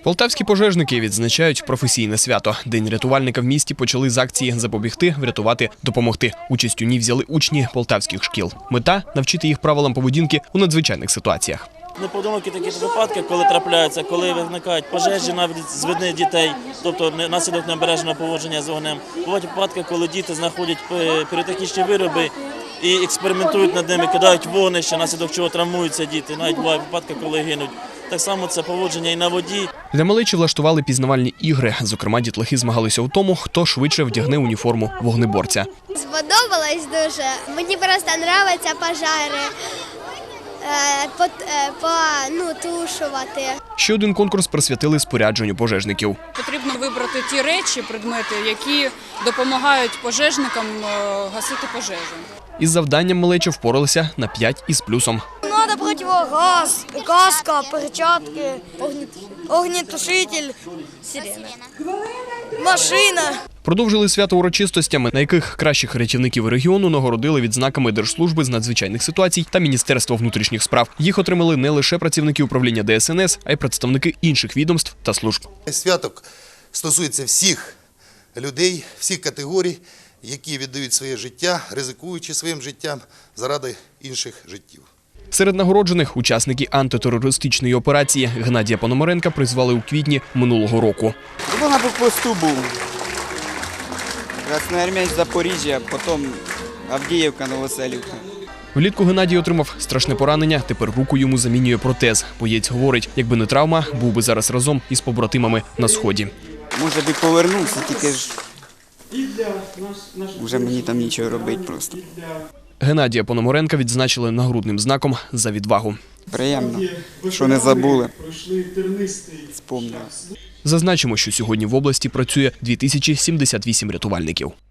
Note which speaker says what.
Speaker 1: Полтавські пожежники відзначають професійне свято. День рятувальника в місті почали з акції «Запобігти, врятувати, допомогти». Участь у ній взяли учні полтавських шкіл. Мета – навчити їх правилам поведінки у надзвичайних ситуаціях.
Speaker 2: Непоодинокі такі випадки, коли трапляються, коли виникають пожежі навіть з видних дітей, тобто наслідок необережного поводження з вогнем. Бувають випадки, коли діти знаходять піротехнічні вироби і експериментують над ними, кидають вогнище, наслідок чого травмуються діти. Навіть бувають випадки, коли гинуть. Так само це поводження і на воді.
Speaker 1: Для малечі влаштували пізнавальні ігри. Зокрема, дітлахи змагалися у тому, хто швидше вдягне уніформу вогнеборця.
Speaker 3: Сподобалось дуже. Мені просто подобаються пожежі. Тушувати.
Speaker 1: Ще один конкурс присвятили спорядженню пожежників.
Speaker 4: Потрібно вибрати ті речі, предмети, які допомагають пожежникам гасити пожежу.
Speaker 1: Із завданням малечі впоралися на 5 із плюсом.
Speaker 5: Надо противогаз, каска, перчатки, огнетушитель, сирена, машина.
Speaker 1: Продовжили свято урочистостями, на яких кращих рятівників регіону нагородили відзнаками Держслужби з надзвичайних ситуацій та Міністерства внутрішніх справ. Їх отримали не лише працівники управління ДСНС, а й представники інших відомств та служб.
Speaker 6: Свято стосується всіх людей, всіх категорій, які віддають своє життя, ризикуючи своїм життям заради інших життів.
Speaker 1: Серед нагороджених – учасники антитерористичної операції. Геннадія Пономаренка призвали у квітні минулого року.
Speaker 7: Я на блокпосту був. Красноармійськ, Запоріжжя, потім Авдіївка, Новоселівка.
Speaker 1: Влітку Геннадій отримав страшне поранення, тепер руку йому замінює протез. Боєць говорить, якби не травма, був би зараз разом із побратимами на Сході.
Speaker 7: Може би повернувся, тільки ж вже мені там нічого робити просто.
Speaker 1: Геннадія Пономаренка відзначили нагрудним знаком за відвагу.
Speaker 7: Приємно, що не забули, спомнили.
Speaker 1: Зазначимо, що сьогодні в області працює 2078 рятувальників.